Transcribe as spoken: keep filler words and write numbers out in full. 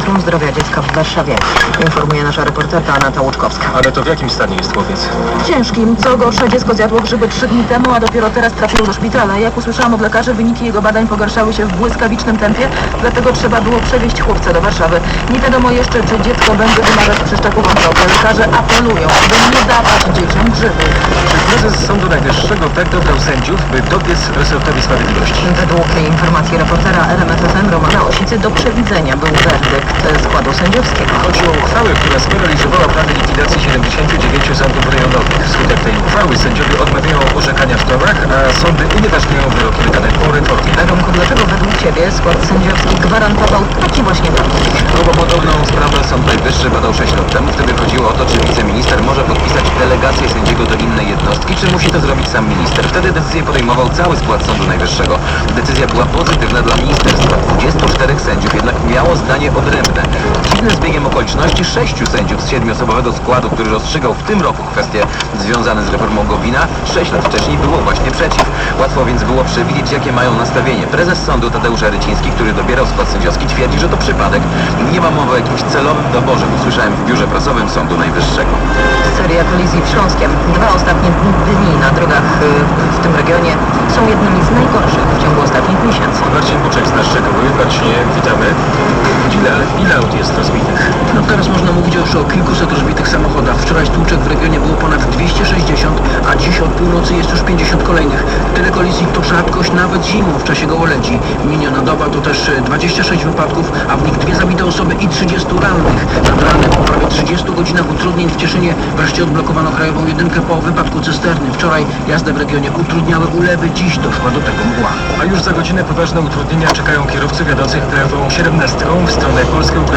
Centrum Zdrowia Dziecka w Warszawie. Informuje nasza reporterka Aneta Łuczkowska. Ale to w jakim stanie jest chłopiec? Ciężkim. Co gorsza, dziecko zjadło grzyby trzy dni temu, a dopiero teraz trafiło do szpitala. Jak usłyszałam od lekarzy, wyniki jego badań pogarszały się w błyskawicznym tempie, dlatego trzeba było przewieźć chłopca do Warszawy. Nie wiadomo jeszcze, czy dziecko będzie wymagać przeszczepu wątroby. Lekarze apelują, aby nie dawać dzieciom grzybów. Czy prezes Sądu Najwyższego tak dobrał sędziów, by dobiec resortowi sprawiedliwości? Według informacji reportera R M F F M Romana Osicy do przewidzenia był werdykt składu sędziowskiego. Chodzi o uchwałę, która sparaliżowała plany likwidacji siedemdziesięciu dziewięciu sądów rejonowych. Wskutek tej uchwały sędziowie odmawiają orzekania w torach, a sądy unieważniają wyroki wydane po reformie. Romku, dlaczego według Ciebie skład sędziowski gwarantował taki właśnie werdykt? No bo podobną sprawę Sąd Najwyższy badał sześć lat temu. Wtedy chodziło o to, czy wiceminister może podpisać delegację sędziego do innej jednostki, czy musi to zrobić sam minister. Wtedy decyzję podejmował cały skład Sądu Najwyższego. Decyzja była pozytywna dla ministerstwa. dwudziestu czterech sędziów jednak miało zdanie odrębne. Dziwnym zbiegiem okoliczności sześciu sędziów z siedmioosobowego składu, który rozstrzygał w tym roku kwestie związane z reformą Gowina, sześć lat wcześniej było właśnie przeciw. Łatwo więc było przewidzieć, jakie mają nastawienie. Prezes sądu Tadeusz Aryciński, który dobierał skład sędziowski, twierdzi, że to przypadek. Nie ma mowy o jakimś celowym doborze, usłyszałem w biurze prasowym Sądu Najwyższego. Seria kolizji w Śląskiem. Dwa ostatnie dni na drogach y, w tym regionie są jednymi z najgorszych w ciągu ostatnich miesięcy. Marcin Buczek zna szczegóły. Marcinie, witamy. Ile, ile aut jest rozbitych? No teraz można mówić już o kilkuset rozbitych samochodach. Wczoraj stłuczek w regionie było ponad dwieście sześćdziesiąt, a dziś od północy jest już pięćdziesiąt kolejnych. Tyle kolizji to rzadkość nawet zimą w czasie gołoledzi. Miniona doba to też dwadzieścia sześć wypadków, a w nich dwie zabite osoby i trzydziestu rannych. Nad ranem po prawie trzydziestu godzinach utrudnień w Cieszynie wreszcie odblokowano krajową jedynkę po wypadku cysterny. Wczoraj jazdę w regionie utrudniały ulewy, dziś doszła do tego mgła. A już za godzinę poważne utrudnienia czekają kierowców jadących krajową siedemnastką w stronę Polski.